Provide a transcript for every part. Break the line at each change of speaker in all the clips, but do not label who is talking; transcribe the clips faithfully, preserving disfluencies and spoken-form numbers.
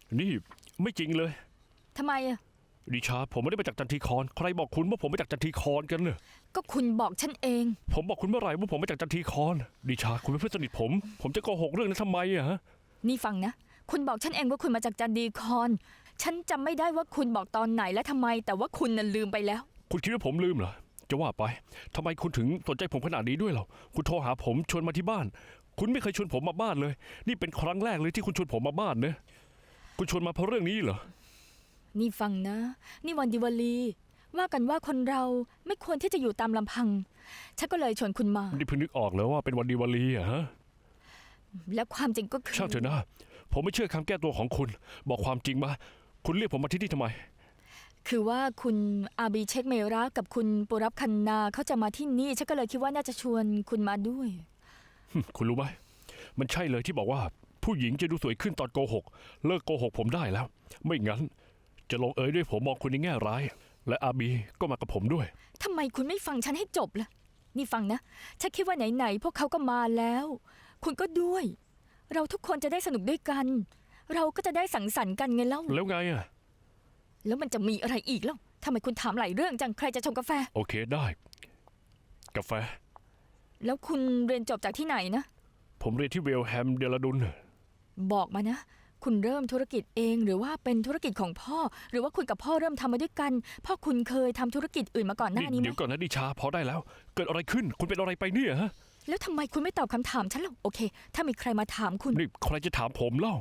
นี่ไม่จริงเลย
ทำไมอะ
ดิชาผมไม่ได้มาจากจันทีคอนใครบอกคุณว่าผมมาจากจันทีคอนกันเน่ะ
ก็คุณบอกฉันเอง
ผมบอกคุณเมื่อไหร่ว่าผมมาจากจันทีคอนดิชาคุณเป็นเพื่อนสนิทผมผมจะโกหกเรื่องนั้นทำไมอะฮะ
นี่ฟังนะคุณบอกฉันเองว่าคุณมาจากจันดีคอนฉันจำไม่ได้ว่าคุณบอกตอนไหนและทำไมแต่ว่าคุณน่ะลืมไปแล้ว
คุณคิดว่าผมลืมเหรอจะว่าไปทำไมคุณถึงสนใจผมขนาดนี้ด้วยเหรอคุณโทรหาผมชวนมาที่บ้านคุณไม่เคยชวนผมมาบ้านเลยนี่เป็นครั้งแรกเลยที่คุณชวนผมมาบ้านเนะคุณชวนมาเพราะเรื่องนี้เหรอ
นี่ฟังนะนี่วันดิวาลีว่ากันว่าคนเราไม่ควรที่จะอยู่ตามลำพังฉันก็เลยชวนคุณมา
นี่เพิ่งนึกออกแล้วว่าเป็นวันดีวาลีอะฮะ
และความจริงก็คือ
ช่างเถอะนะผมไม่เชื่อคำแก้ตัวของคุณบอกความจริงมาคุณเรียกผมมาที่นี่ทำไม
คือว่าคุณอาบีเช็คเมรากับคุณปุรับคันนาเขาจะมาที่นี่ฉันก็เลยคิดว่าน่าจะชวนคุณมาด้วย
คุณรู้ไหมมันใช่เลยที่บอกว่าผู้หญิงจะดูสวยขึ้นตอนโกหกเลิกโกหกผมได้แล้วไม่งั้นจะลงเอยด้วยผมมองคุณในแง่ร้ายและอาบีก็มากับผมด้วย
ทำไมคุณไม่ฟังฉันให้จบล่ะนี่ฟังนะฉันคิดว่าไหนๆพวกเขาก็มาแล้วคุณก็ด้วยเราทุกคนจะได้สนุกด้วยกันเราก็จะได้สังสรรค์กันไงเล่า
แล้วไงอะ
แล้วมันจะมีอะไรอีกเล่าทำไมคุณถามหลายเรื่องจังใครจะชงกาแฟ
โอเคได้กาแฟ
แล้วคุณเรียนจบจากที่ไหนนะ
ผมเรียนที่เวลแฮมเดลดุน
บอกมานะคุณเริ่มธุรกิจเองหรือว่าเป็นธุรกิจของพ่อหรือว่าคุณกับพ่อเริ่มทำมาด้วยกันพ่อคุณเคยทำธุรกิจอื่นมาก่อนหน้านี้ไหม
เดี๋ยวก่อนนะดิชาพอได้แล้วเกิดอะไรขึ้นคุณเป็นอะไรไปเนี่ยฮะ
แล้วทำไมคุณไม่ตอบคำถามฉันล่ะโอเคถ้ามีใครมาถามคุณ
นี่ใครจะถามผมเล่า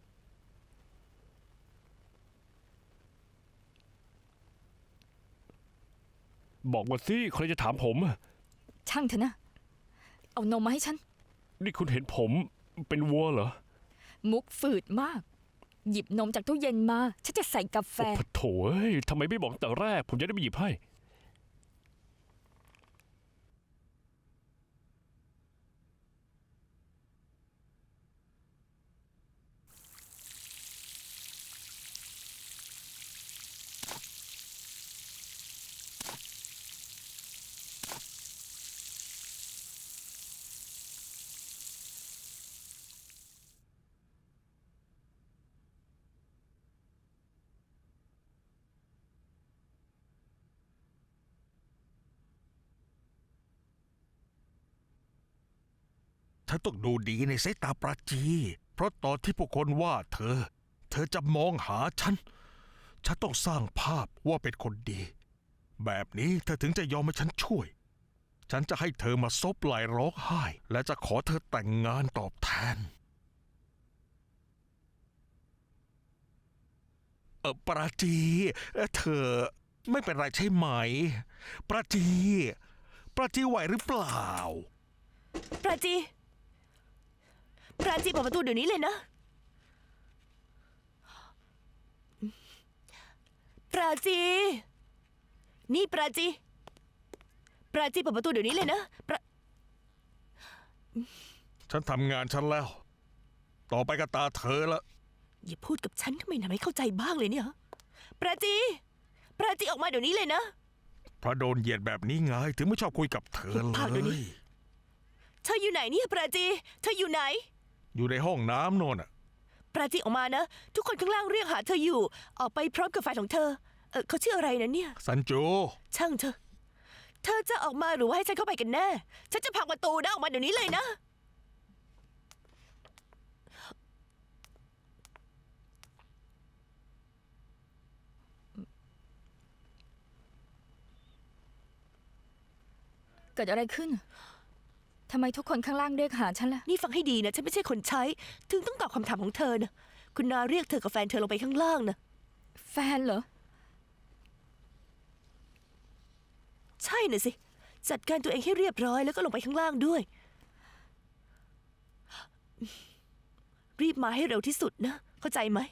บอกมาสิใครจะถามผม
ช่างเถอะนะเอานมมาให้ฉัน
นี่คุณเห็นผมเป็นวัวเหรอ
มุกฝืดมากหยิบนมจากตู้เย็นมาฉันจะใส่กาแฟ
โอ้โถเอ้ยทำไมไม่บอกแต่แรกผมจะได้ไปหยิบให้
เธอต้องดูดีในสายตาปราจี เพราะตอนที่พวกคนว่าเธอ เธอจะมองหาฉัน ฉันต้องสร้างภาพว่าเป็นคนดี แบบนี้เธอถึงจะยอมให้ฉันช่วย ฉันจะให้เธอมาซบไหล่ร้องไห้ และจะขอเธอแต่งงานตอบแทน เออปราจีเธอไม่เป็นไรใช่ไหม ปราจี ปราจีไหวหรือเปล่า
ปราจีปราจีเปิดประตูเดี๋ยวนี้เลยนะปราจีนี่ปราจีปราจีเปิดประตูเดี๋ยวนี้เลยนะปรา
ฉันทำงานฉันแล้ว ต่อไปก็ตาเธอละ
อย่าพูดกับฉันทำไมทำให้เข้าใจบ้างเลยเนี่ยปราจีปราจีออกมาเดี๋ยวนี้เลยนะ
เพราะโดนเหยียดแบบนี้ไงถึงไม่ชอบคุยกับเธอเลย
เธออยู่ไหนเนี่ยปราจีเธออยู่ไหน
อยู่ในห้องน้ำโน่นอ่ะ
ปราจีออกมานะทุกคนข้างล่างเรียกหาเธออยู่ออกไปพร้อมกับแฟนของเธอเออเขาชื่ออะไรนะเนี่ย
ซันโจ
ช่างเธอเธอจะออกมาหรือว่าให้ฉันเข้าไปกันแน่ฉันจะพังประตูนะออกมาเดี๋ยวนี้เลยนะ
เกิดอะไรขึ้นทำไมทุกคนข้างล่างเรียกหาฉันล่ะ
นี่ฟังให้ดีนะฉันไม่ใช่คนใช้ถึงต้องตอบคำถามของเธอนะคุณนาเรียกเธอกับแฟนเธอลงไปข้างล่างนะ
แฟนเหรอ
ใช่น่ะสิจัดการตัวเองให้เรียบร้อยแล้วก็ลงไปข้างล่างด้วยรีบมาให้เร็วที่สุดนะเข้าใจไหม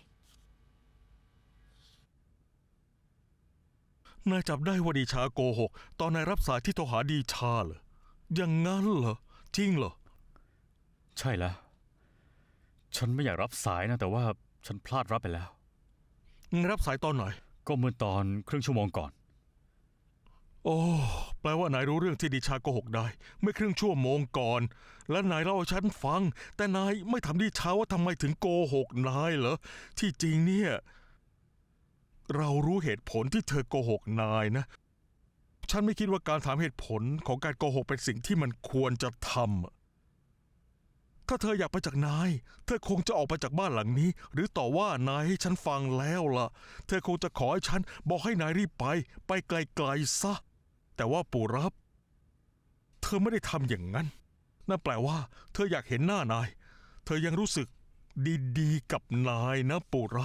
นายจับได้ว่าดีชาโกหกตอนนายรับสายที่โทรหาดีชาเหรออย่างงั้นเหรอจริงเหรอ
ใช่แล้วฉันไม่อยากรับสายนะแต่ว่าฉันพลาดรับไปแล้ว
รับสายตอนไหน
ก็เมื่อตอนครึ่งชั่วโมงก่อน
โอ้แปลว่านายรู้เรื่องที่ดิชาโกหกได้เมื่อครึ่งชั่วโมงก่อน และนายเล่าให้ฉันฟัง แต่นายไม่ถามดิชาว่าทำไมถึงโกหกนายเหรอที่จริงเนี่ย เรารู้เหตุผลที่เธอโกหกนายนะ ฉันไม่คิดว่าการถามเหตุผลของการโกหกเป็นสิ่งที่มันควรจะทำถ้าเธออยากไปจากนาย เธอคงจะออกไปจากบ้านหลังนี้ หรือต่อว่านายให้ฉันฟังแล้วล่ะ เธอคงจะขอให้ฉันบอกให้นายรีบไป ไปไกลๆซะ แต่ว่าปู่รับ เธอไม่ได้ทำอย่างนั้น นั่นแปลว่า เธออยากเห็นหน้านาย เธอยังรู้สึกดีๆกับนายนะปู่รับ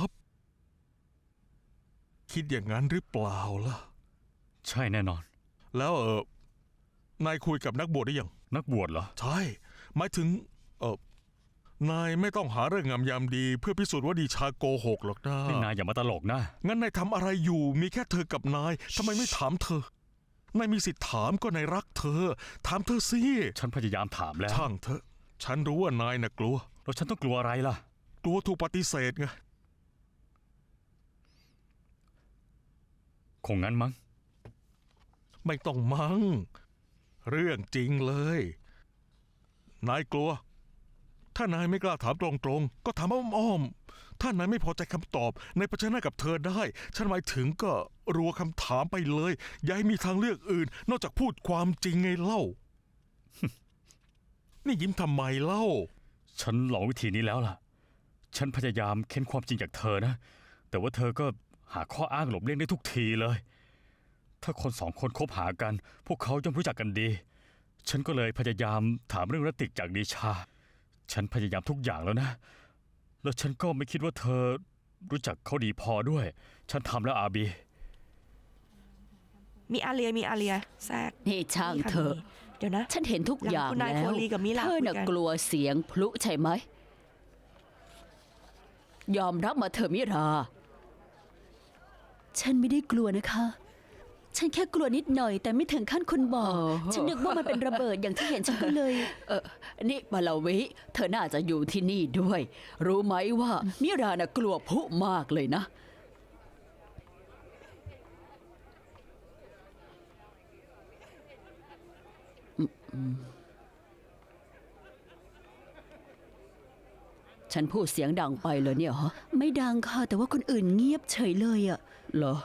คิดอย่างนั้นหรือเปล่าล่ะ
ใช่แน่นอน
แล้วเออนายคุยกับนักบวชได้ยัง
นักบวชเหรอ
ใช่ หมายถึง เออนายไม่ต้องหาเรื่องงามยามดี เพื่อพิสูจน์ว่าดิชาโกหกหรอกนะ
นี่นายอย่ามาตลกนะ
งั้นนายทำอะไรอยู่ มีแค่เธอกับนายทำไมไม่ถามเธอ นายมีสิทธิ์ถามก็นายรักเธอ ถามเธอสิ
ฉันพยายามถามแล้ว
ช่างเถอะ ฉันรู้ว่านายน่ะกลัว
แล้วฉันต้องกลัวอะไรล่ะ
กลัวถูกปฏิเสธไง
คงงั้นมั้ง
ไม่ต้องมั้ง เรื่องจริงเลย นายกลัว ถ้านายไม่กล้าถามตรงๆ ก็ถามอ้อมๆ ถ้านายไม่พอใจคำตอบในายเผชิญหน้ากับเธอได้ ฉันหมายถึงก็รัวคำถามไปเลย อย่าให้มีทางเลือกอื่น นอกจากพูดความจริงไงเล่า นี่ยิ้มทำไมเล่า
ฉันลองวิธีนี้แล้วล่ะ ฉันพยายามเค้นความจริงจากเธอนะ แต่ว่าเธอก็หาข้ออ้างหลบเลี่ยงได้ทุกทีเลย ถ้าคนสองคนคบหากัน พวกเขาย่อมรู้จักกันดี ฉันก็เลยพยายามถามเรื่องรติกจากดิชา ฉันพยายามทุกอย่างแล้วนะ แล้วฉันก็ไม่คิดว่าเธอรู้จักเขาดีพอด้วย ฉันทำแล้วอาบี
มีอาเลียมีอาเลียแทรก
นี่ช่างเถอะ
เดี๋ยวนะ
ฉันเห็นทุกอย่าง
หลังคุณนาย
แล้ว
โคลีกับมิลา
เธอน่ะ
คุยกัน
กลัวเสียงพลุใช่ไหม ยอมรับมาเถอะมิรา
ฉันไม่ได้กลัวนะคะ ฉันแค่กลัวนิดหน่อย แต่ไม่ถึงขั้นคนบอก
อ๋อ
ฉันนึกว่ามันเป็นระเบิดอย่างที่เห็นฉันก็เลย
เออนี่มาลาวิ เธอน่าจะอยู่ที่นี่ด้วย รู้ไหมว่า มิราน่ะกลัวพลุมากเลยนะ ฉันพูดเสียงดังไปเลยเนี่ยฮะ
ไม่ดังค่ะ แต่ว่าคนอื่นเงียบเฉยเลยอ่ะ
เหรอ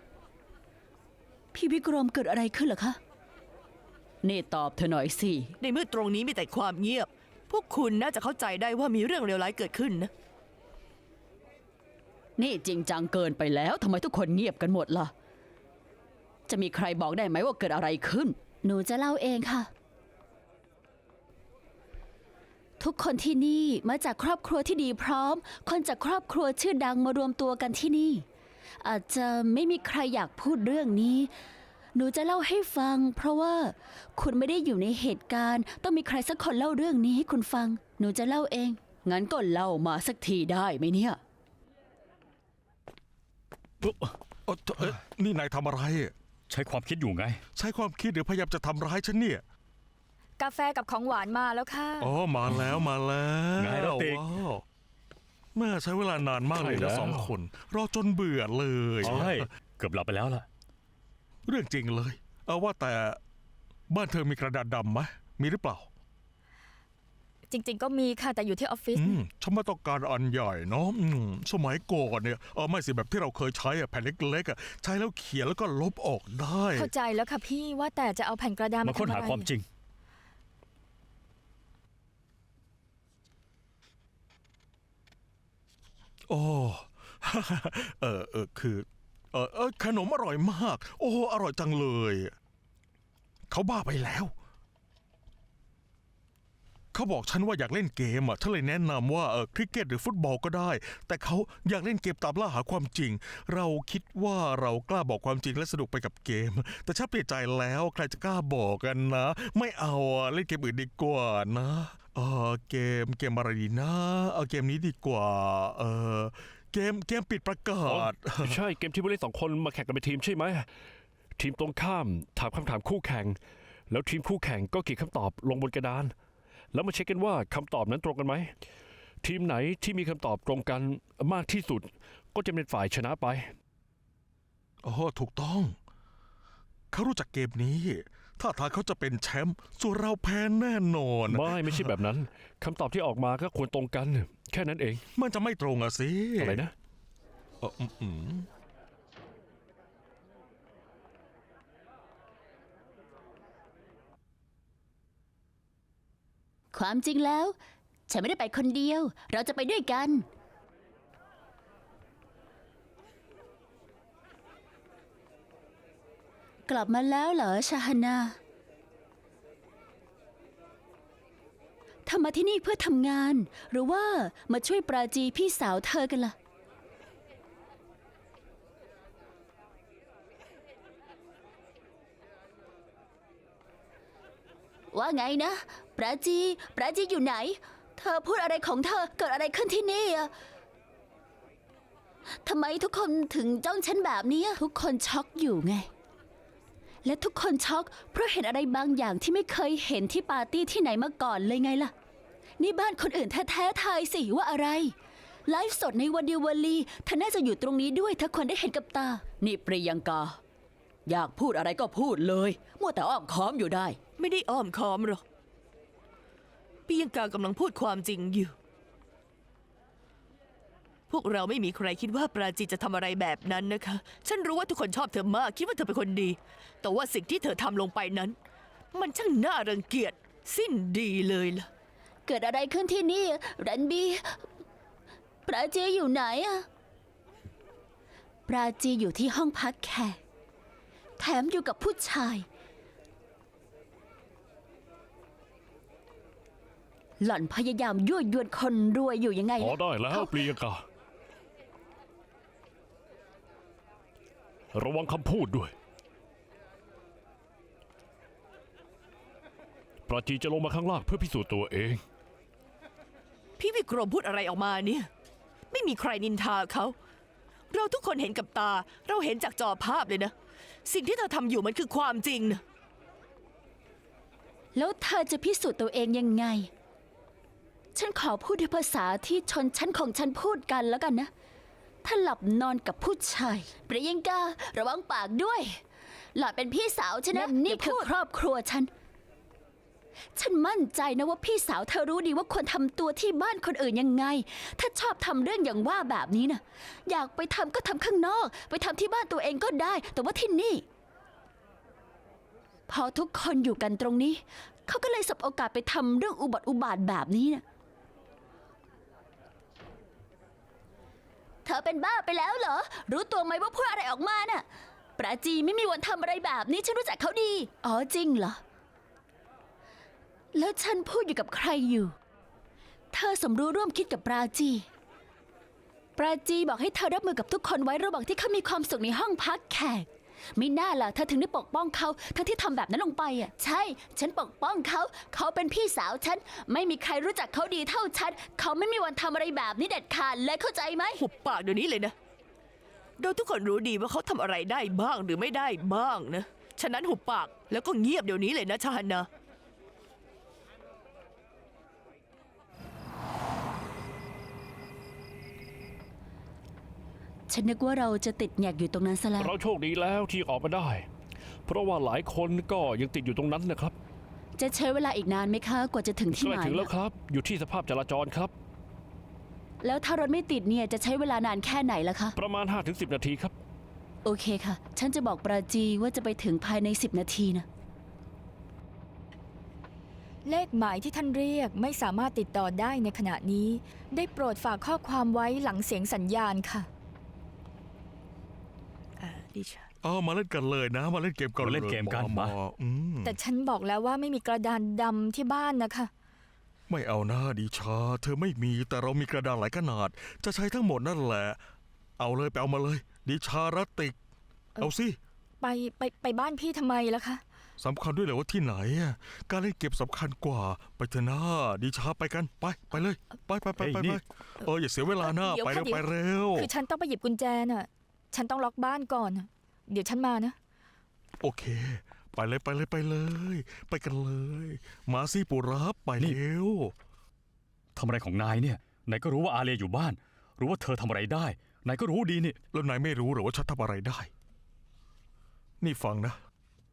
พี่วิกรมเกิดอะไรขึ้นเหรอคะ
นี่ตอบเธอหน่อยสิ
ในเมื่อตรงนี้มีแต่ความเงียบ พวกคุณน่าจะเข้าใจได้ว่ามีเรื่องเลวร้ายเกิดขึ้นนะ
นี่จริงจังเกินไปแล้วทำไมทุกคนเงียบกันหมดล่ะ จะมีใครบอกได้ไหมว่าเกิดอะไรขึ้น
หนูจะเล่าเองค่ะ ทุกคนที่นี่มาจากครอบครัวที่ดีพร้อม คนจากครอบครัวชื่อดังมารวมตัวกันที่นี่ อาจจะไม่มีใครอยากพูดเรื่องนี้ หนูจะเล่าให้ฟัง เพราะว่าคุณไม่ได้อยู่ในเหตุการณ์ ต้องมีใครสักคนเล่าเรื่องนี้ให้คุณฟัง หนูจะเล่าเอง
งั้นก็เล่ามาสักทีได้ไหมเนี่ย
เอ่อเอ๊ะนี่นายทำอะไร
ใช้ความคิดอยู่ไง
ใช้ความคิดหรือพยายามจะทำร้ายฉันเนี่ย
กาแฟกับของหวานมาแล้วค่ะ
อ๋อ มาแล้วมาแล้ว
ไงล่ะติ๊ก
ว้าวแม่ใช้เวลานานมากเลย
ใช่แล้
นะ
ว
สองคน รอจนเบื่อเลย
ใช่ เกือบหลับไปแล้วล่ะ
เรื่องจริงเลย เอาว่าแต่บ้านเธอมีกระดาษดำไหมมีหรือเปล่า
จริง ๆ ก็มีค่ะแต่อยู่ที่ออฟฟิศ
อืมฉันไม่ต้องการอันใหญ่เนาะอืมสมัยก่อนเนี่ยเออไม่สิแบบที่เราเคยใช้อะแผ่นเล็กๆอะใช้แล้วเขียนแล้วก็ลบออกได้
เข้าใจแล้วค่ะพี่ว่าแต่จะเอาแผ่นกระดาษ
มา
มา
ค้น
ทำ
หา
อะไร
ความจริง
โอ้ เออเออคือเออเออขนมอร่อยมาก โอ้อร่อยจังเลย เขาบ้าไปแล้ว เขาบอกฉันว่าอยากเล่นเกมอ่ะฉันเลยแนะนำว่าเออคริกเก็ตหรือฟุตบอลก็ได้ แต่เขาอยากเล่นเกมตามล่าหาความจริง เราคิดว่าเรากล้าบอกความจริงและสนุกไปกับเกม แต่ฉันเปลี่ยนใจแล้วใครจะกล้าบอกกันนะ ไม่เอาอ่ะเล่นเกมอื่นดีกว่านะเออเกมเกมอะไรดีนะเอาเกมนี้ดีกว่าเออเกมเกมปิดประกาศ
ใช่เกมที่ผู้เล่นสองคนมาแข่งกันเป็นทีมใช่ไหมทีมตรงข้ามถามคำถามคู่แข่ง แล้วทีมคู่แข่งก็เขียนคำตอบลงบนกระดาน แล้วมาเช็คกันว่าคำตอบนั้นตรงกันไหมทีมไหนที่มีคำตอบตรงกันมากที่สุด ก็จะเป็นฝ่ายชนะไป
อ๋อถูกต้องเขารู้จักเกมนี้ ถ้าทางเขาจะเป็นแชมป์ส่วนเราแพ้แน่นอน
ไม่ไม่ใช่แบบนั้นคำตอบที่ออกมาก็ควรตรงกัน แค่นั้นเอง
มันจะไม่ตรงอะสิ
อะไรนะ
เอ่ออืมอืม
ความจริงแล้ว ฉันไม่ได้ไปคนเดียว เราจะไปด้วยกัน กลับมาแล้วเหรอชาฮานาเธอมาที่นี่เพื่อทำงาน หรือว่ามาช่วยปราจีพี่สาวเธอกันล่ะ ว่าไงนะ ปราจี ปราจีอยู่ไหน เธอพูดอะไรของเธอ เกิดอะไรขึ้นที่นี่อะทำไมทุกคนถึงจ้องฉันแบบนี้อะทุกคนช็อกอยู่ไง และทุกคนช็อกเพราะเห็นอะไรบางอย่างที่ไม่เคยเห็นที่ปาร์ตี้ที่ไหนมาก่อนเลยไงล่ะ นี่บ้านคนอื่นแท้ๆทายสิว่าอะไร ไลฟ์สดในวันเดียววลีเธอน่าจะอยู่ตรงนี้ด้วยถ้าคนได้เห็นกับตา นี่ปริยังกา อยากพูดอะไรก็พูดเลยมัวแต่อ้อมค้อมอยู่ได้
ไม่ได้อ้อมค้อมหรอกปียังกากำลังพูดความจริงอยู่ พวกเราไม่มีใครคิดว่าปราจีจะทำอะไรแบบนั้นนะคะ ฉันรู้ว่าทุกคนชอบเธอมาก คิดว่าเธอเป็นคนดี แต่ว่าสิ่งที่เธอทำลงไปนั้น มันช่างน่ารังเกียจสิ้นดีเลยล่ะ
เกิดอะไรขึ้นที่นี่รันบี ปราจีอยู่ไหนอะปราจีอยู่ที่ห้องพักแขกแถมอยู่กับผู้ชาย หล่อนพยายามยั่วยวนคนรวยอยู่ยังไง
พอ
ล่ะ
ได้แล้วปรียงกา ระวังคำพูดด้วย ปราจีจะลงมาข้างล่างเพื่อพิสูจน์ตัวเอง
พี่วิกรมพูดอะไรออกมาเนี่ย ไม่มีใครนินทาเขา เราทุกคนเห็นกับตา เราเห็นจากจอภาพเลยนะ สิ่งที่เธอทำอยู่มันคือความจริงนะ
แล้วเธอจะพิสูจน์ตัวเองยังไง ฉันขอพูดด้วยภาษาที่ชนชั้นของฉันพูดกันแล้วกันนะ ถ้าหลับนอนกับผู้ชายปริยังการะวังปากด้วย หล่อนเป็นพี่สาวฉันนะนี่คือครอบครัวฉัน ฉันมั่นใจนะว่าพี่สาวเธอรู้ดีว่าควรทำตัวที่บ้านคนอื่นยังไง ถ้าชอบทำเรื่องอย่างว่าแบบนี้นะอยากไปทำก็ทำข้างนอก ไปทำที่บ้านตัวเองก็ได้ แต่ว่าที่นี่ พอทุกคนอยู่กันตรงนี้ เขาก็เลยสบโอกาสไปทำเรื่องอุบัติอุบาทแบบนี้นะเธอเป็นบ้าไปแล้วเหรอ รู้ตัวไหมว่าพูดอะไรออกมาน่ะ ปราจีไม่มีวันทำอะไรแบบนี้ฉันรู้จักเขาดี อ๋อจริงเหรอ แล้วฉันพูดอยู่กับใครอยู่ เธอสมรู้ร่วมคิดกับปราจี ปราจีบอกให้เธอรับมือกับทุกคนไว้ระหว่างที่เขามีความสุขในห้องพักแขกไม่น่าล่ะเธอถึงได้ปกป้องเขาทั้งที่ทำแบบนั้นลงไปอ่ะ ใช่ ฉันปกป้องเขา เขาเป็นพี่สาวฉัน ไม่มีใครรู้จักเขาดีเท่าฉัน เขาไม่มีวันทำอะไรแบบนี้เด็ดขาดเลยเข้าใจไหม
หุบปากเดี๋ยวนี้เลยนะ เราทุกคนรู้ดีว่าเขาทำอะไรได้บ้างหรือไม่ได้บ้างนะ ฉะนั้นหุบปากแล้วก็เงียบเดี๋ยวนี้เลยนะชาฮันนา
ฉันนึกว่าเราจะติดแงกอยู่ตรงนั้นซะแล้ว
เราโชคดีแล้วที่ออกมาได้ เพราะว่าหลายคนก็ยังติดอยู่ตรงนั้นนะครับ
จะใช้เวลาอีกนานไหมคะ กว่าจะถึงที่
ใก
ห
ล้
มาย
ถึงแล้วครับ อยู่ที่สภาพจราจรครับ
แล้วถ้ารถไม่ติดเนี่ยจะใช้เวลานานแค่ไหนล่ะคะ
ประมาณ ห้าถึงสิบ นาทีครับ
โอเคค่ะ ฉันจะบอกปราจีว่าจะไปถึงภายในสิบนาทีนะ
เลขหมายที่ท่านเรียกไม่สามารถติดต่อได้ในขณะนี้ ได้โปรดฝากข้อความไว้หลังเสียงสัญญาณค่ะ
อ่าดิฉัน
เอามาเล่นกันเลยนะ มาเล่นเกมกัน
มาเล่นเกมกัน
หอ
มา
อืม
แต่ฉันบอกแล้วว่าไม่มีกระดานดำที่บ้านนะคะ
ไม่เอาหน้าดิชา เธอไม่มีแต่เรามีกระดานหลายขนาด จะใช้ทั้งหมดนั่นแหละ เอาเลยไปเอามาเลย ดิชารติก เอาสิ
ไปไปไปบ้านพี่ทำไมล่ะคะ
สำคัญด้วยเหรอว่าที่ไหนอะการเล่นเกมสำคัญกว่า ไปเถอะนะดิชาไปกันไปไปเลย ไปไปไปไป
เฮ้ยนี่
ไปเอออย่าเสียเวลาหน้า
เดี๋ยว
ไปเร็ว
ค่ะเดี๋ยว
ไปเร็ว
คือฉันต้องไปหยิบกุญแจน่ะ ฉันต้องล็อกบ้านก่อนน่ะเดี๋ยวฉันมานะ
โอเค ไปเลยไปเลยไปเลย ไปกันเลย มาสิปุรับไป
นี่
เร็ว
ทำอะไรของนายเนี่ยนายก็รู้ว่าอาเลียอยู่บ้าน รู้ว่าเธอทำอะไรได้นายก็รู้ดีนี่
แล้วนายไม่รู้หรือว่าฉันทำอะไรได้ นี่ฟังนะ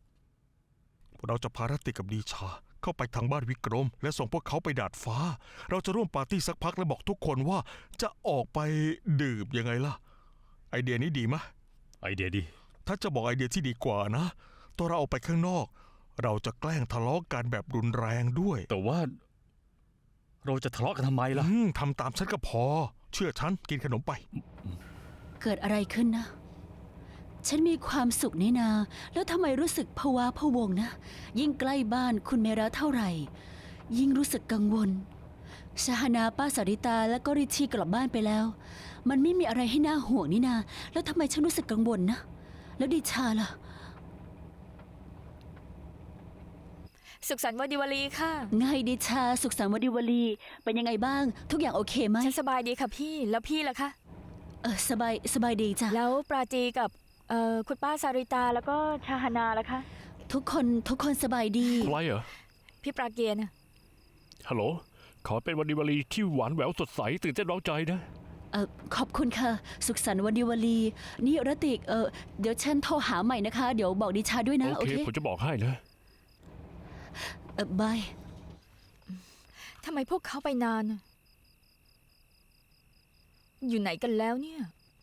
เราจะพารติกับดีชาเข้าไปทางบ้านวิกรม และส่งพวกเขาไปดาดฟ้า เราจะร่วมปาร์ตี้สักพักและบอกทุกคนว่าจะออกไปดื่มยังไงล่ะ ไอเดียนี้ดีไหม
ไอเดียดี
ถ้าจะบอกไอเดียที่ดีกว่านะตอนเราออกไปข้างนอก เราจะแกล้งทะเลาะกันแบบรุนแรงด้วย
แต่ว่า เราจะทะเลาะกันทำไมล่ะ
อืมทำตามฉันก็พอ เชื่อฉันกินขนมไป
เกิดอะไรขึ้นนะ ฉันมีความสุขนี่นา แล้วทำไมรู้สึกพะวาพะวงนะ ยิ่งใกล้บ้านคุณเมระเท่าไหร่ ยิ่งรู้สึกกังวลชาฮานาป้าสาริตาและก็ริชีกลับบ้านไปแล้ว มันไม่มีอะไรให้น่าห่วงนี่นา แล้วทำไมฉันรู้สึกกังวลนะ แล้วดิชาล่ะ
สุขสันต์วันดิวาลีค่ะ
ไงดิชาสุขสันต์วันดิวาลี เป็นยังไงบ้าง ทุกอย่างโอเคไหม
ฉันสบายดีค่ะพี่ แล้วพี่ล่ะคะ
เออสบายสบายดีจ้ะ
แล้วปราจีกับเอ่อคุณป้าสาริตาแล้วก็ชาฮานาล่ะคะ
ทุกคนทุกคนสบายดี
ใครเหรอ
พี่ปราเกียร์นะ
ฮัลโหล ขอเป็นวันดีวาลีที่หวานแหววสดใสตื่นเต้นเร้าใจนะ
เออขอบคุณค่ะ สุขสันต์วันดิวาลี นี่รติกเออเดี๋ยวฉันโทรหาใหม่นะคะ เดี๋ยวบอกดิชาด้วยนะ
โอ
โอ
เค
เค
ผมจะบอกให้นะ
เออบาย
ทำไมพวกเขาไปนานน่ะอยู่ไหนกันแล้วเนี่ย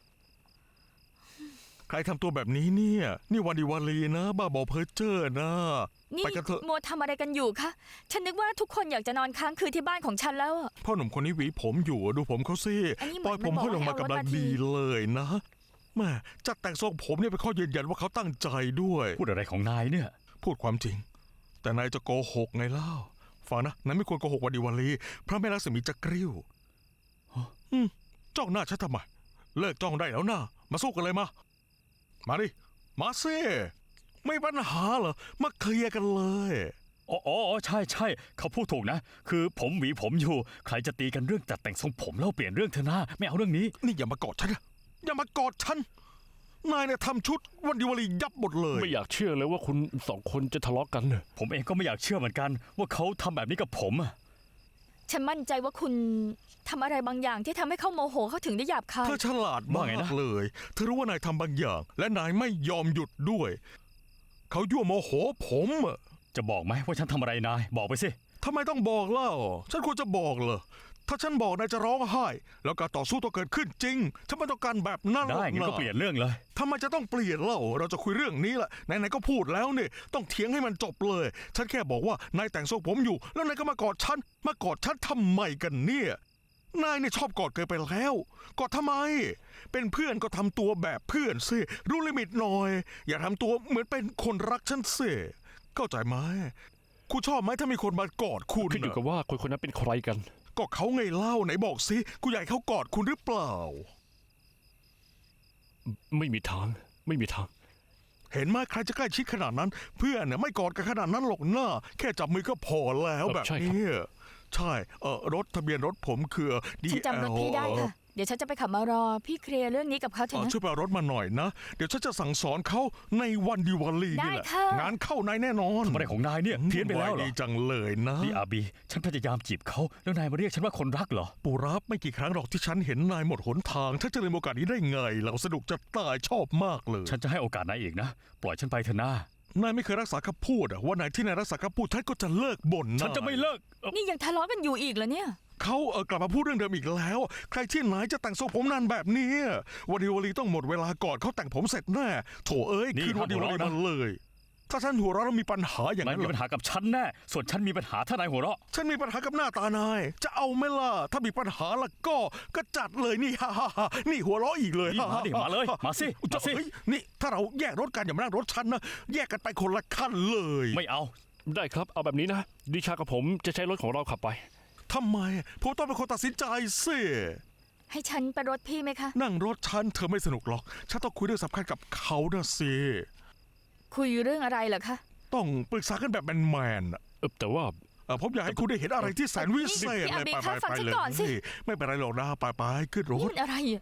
ใครทำตัวแบบนี้เนี่ย นี่วันดีวาลีนะ บ้าบอเพ้อเจ้อนะ
นี่
ไปกันเถอะ
มัวทำอะไรกันอยู่คะฉันนึกว่าทุกคนอยากจะนอนค้างคืนที่บ้านของฉันแล้วอะ
พ่อหนุ่มคนนี้หวีผมอยู่ดูผมเขาสิ
อันนี้เห
ป
มื
ล่
อ
อน ยผม
มันบอก
ให้ลงมา
ให้เอา
กำลัง
รถมาที
ดีเลยนะแม่จัดแต่งทรงผมเนี่ยเป็นข้อยืนยันว่าเขาตั้งใจด้วย
พูดอะไรของนายเนี่ย
พูดความจริง แต่นายจะโกหกไงเล่าฟังนะนายไม่ควรโกหกวันดีวันลีพระแม่ลักษมีจะกริ้วอืมจ้องหน้าฉันทำไม เลิกจ้องได้แล้วนะมาสู้กันเลยมามาดิมาสิไม่ปัญหาเหรอมาเคลียร์กันเลย
อ๋ออ๋อใช่ใช่เขาพูดถูกนะ คือผมหวีผมอยู่ ใครจะตีกันเรื่องจัดแต่งทรงผมแล้วเปลี่ยนเรื่องเธอหน้าไม่เอาเรื่องนี้
นี่อย่ามากอดฉันนะอย่ามากอดฉันนายเนี่ยทำชุดวันดีวันลียับหมดเลย
ไม่อยากเชื่อเลยว่าคุณสองคนจะทะเลาะกันเนอะ
ผมเองก็ไม่อยากเชื่อเหมือนกัน ว่าเขาทำแบบนี้กับผมอะ
ฉันมั่นใจว่าคุณทำอะไรบางอย่างที่ทำให้เขาโมโหเขาถึงได้หยาบคาย
เธอฉลาดมากเลย เธอรู้ว่านายทำบางอย่าง และนายไม่ยอมหยุดด้วย เขายั่วโมโหผมอะ
จะบอกไหมว่าฉันทำอะไรนาย บอกไปสิ
ทำไมต้องบอกเล่า ฉันควรจะบอกเหรอ ถ้าฉันบอกนายจะร้องไห้ แล้วการต่อสู้ต้องเกิดขึ้นจริง ฉันไม่ต้องการแบบนั้นหร
ได้
อก
งั้น
นะ
ก็เปลี่ยนเรื่องเลย
ทำไมจะต้องเปลี่ยนเล่า เราจะคุยเรื่องนี้แหละไหนๆก็พูดแล้วเนี่ยต้องเถียงให้มันจบเลย ฉันแค่บอกว่านายแต่งทรงผมอยู่ แล้วนายก็มากอดฉัน มากอดฉันทำไมกันเนี่ย นายเนี่ยชอบกอดเกินไปแล้ว กอดทำไม เป็นเพื่อนก็ทำตัวแบบเพื่อนสิ รู้ลิมิตหน่อย อย่าทำตัวเหมือนเป็นคนรักฉันสิเข้าใจไหมคุณชอบไหมถ้ามีคนมากอดคุณ
ขึ้นอยู่
น่ะ
กับว่าคนคนนั้นเป็นใครกัน
ก็เขาไงเล่าไหนบอกสิกูอยากให้เขากอดคุณหรือเปล่า
ไม่มีทาง ไม่มีทาง
เห็นไหมใครจะใกล้ชิดขนาดนั้น เพื่อนเนี่ยไม่กอดกันขนาดนั้นหรอกหน้า แค่จับมือก็พอแล้ว
เออ
แบบ
ใช่ครับ
นี้ใช่เออรถทะเบียนรถผมคือดี
ฉันจำรถพี่ได้ค่ะ เดี๋ยวฉันจะไปขับมารอ พี่เคลียร์เรื่องนี้กับเขาเถ
เอ
อะ
อ
นะ
ช่วยไปเอารถมาหน่อยนะ เดี๋ยวฉันจะสั่งสอนเขาในวันดีวันลีนี่แหละ
ได้ค่ะ
งานเข้านายแน่นอน
ทำอะไรของนายเนี่ย เพี้ยนไปแล้วเหรอ
ดีจังเลยนะ
นี่อาบี ฉันพยายามจีบเขา แล้วนายมาเรียกฉันว่าคนรักเหรอ
ปูรับไม่กี่ครั้งหรอกที่ฉันเห็นนายหมดหนทางถ้าจะเลยโอกาสนี้ได้ไง เราสนุกจะตายชอบมากเลย
ฉันจะให้โอกาสนายอีกนะ ปล่อยฉันไปเถอะนะ
นายไม่เคยรักษาคำพูดอะวันไหนที่นายรักษาคำพูดท่านก็จะเลิกบ่นนาย
ฉันจะไม่เลิกเอ่อ
นี่ยังทะเลาะกันอยู่อีกเหรอเนี่ย
เขาเออกลับมาพูดเรื่องเดิมอีกแล้ว ใครที่ไหนจะแต่งทรงผมนานแบบนี้วันดีวันลีต้องหมดเวลาก่อนเขาแต่งผมเสร็จแน่โถเอ้ย
นี่
คืนวันดีวันลี
ห้ามหัวเราะนะ
มาเลย ถ้าฉันหัวเราะแล้วมีปัญหาอย่าง
นาย
นั้น
มี
เหร
ปัญ
อ
หากับฉันแน่ ส่วนฉันมีปัญหาถ้านายหัวเราะ
ฉันมีปัญหากับหน้าตานาย จะเอาไหมล่ะถ้ามีปัญหาละก็ก็จัดเลยนี่ ฮ่าฮ่าฮ่านี่หัวเราะอีกเลย
นี่มาดิมาเลยมาสิมาสิ
เฮ้ยนี่ถ้าเราแยกรถกันอย่ามานั่งรถฉันนะแยกกันไปคนละขั้นเลย
ไม่เอา
ได้ครับ เอาแบบนี้นะ ดิชากับผมจะใช้รถของเราขับไป
ทำไมผมต้องเป็นคนตัดสินใจสิ
ให้ฉันไปรถพี่ไหมคะ
นั่งรถฉันเธอไม่สนุกหรอก ฉันต้องคุยเรื่องสำคัญกับเขานะสิ
คุยเรื่องอะไรเหรอคะ
ต้องปรึกษากันแบบแมนๆอะ
เออแต่ว่า
เอ่อผมอยากให้คุณได้เห็นอะไรที่แสนวิเศษ
พี่
เลย
อาบี
ไป
คะ
ไป
ฟัง
ไป
ฉัน
เลย
ก่อนสิ
ไม่เป็นไรหรอกนะไปไปขึ้นร
นี่
ถ
มันอะไรอะ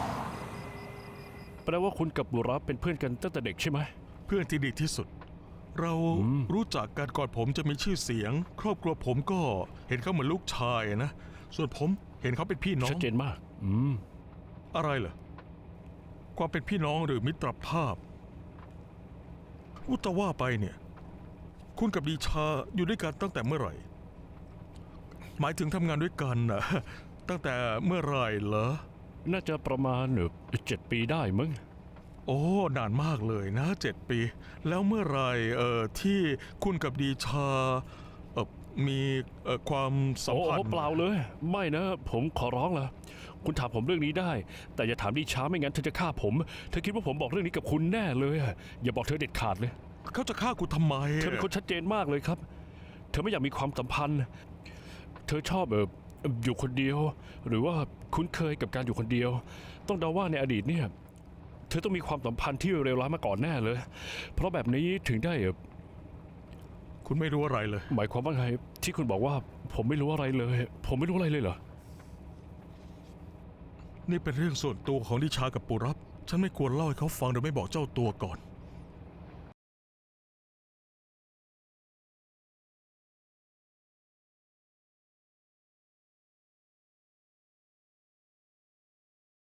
แปลว่าคุณกับบุรับเป็นเพื่อนกันตั้งแต่เด็กใช่ไหม
เพื่อนที่ดีที่สุดเรา
อืม
รู้จักกันก่อนผมจะมีชื่อเสียง ครอบครัวผมก็เห็นเขาเหมือนลูกชายนะ ส่วนผมเห็นเขาเป็นพี่น้อ
ชั
ง
ดเจนมาก อืม
อะไรเหรอ ความเป็นพี่น้องหรือมิตรภาพอุตว่าไปเนี่ย คุณกับดีชาอยู่ด้วยกันตั้งแต่เมื่อไหร่ หมายถึงทำงานด้วยกันนะ ตั้งแต่เมื่อไหร่เหรอ
น่าจะประมาณเจ็ดปีได้มั้ง
โอ้ นานมากเลยนะเจ็ดปี แล้วเมื่อไหรเอ่อที่คุณกับดีชาเอ่อมีเอ่อความสัม
โอ้
พัน
โห
ธ์
เปล่าเลย ไม่นะ ผมขอร้องละคุณถามผมเรื่องนี้ได้ แต่อย่าถามดิช้าไม่งั้นเธอจะฆ่าผม เธอคิดว่าผมบอกเรื่องนี้กับคุณแน่เลยอะอย่าบอกเธอเด็ดขาดเลย
เขาจะฆ่าคุณทำไม
เธอเป็นคนชัดเจนมากเลยครับ เธอไม่อยากมีความสัมพันธ์ เธอชอบเอออยู่คนเดียว หรือว่าคุ้นเคยกับการอยู่คนเดียว ต้องเดาว่าในอดีตเนี่ย เธอต้องมีความสัมพันธ์ที่เลวร้ายมาก่อนแน่เลย เพราะแบบนี้ถึงได้เอ่อ
คุณไม่รู้อะไรเลย
หมายความว่าไงที่คุณบอกว่า ผมไม่รู้อะไรเลย ผมไม่รู้อะไรเลยเหรอ
นี่เป็นเรื่องส่วนตัวของดิชากับปุรับ ฉันไม่ควรเล่าให้เขาฟังโดยไม่บอกเจ้าตัวก่อน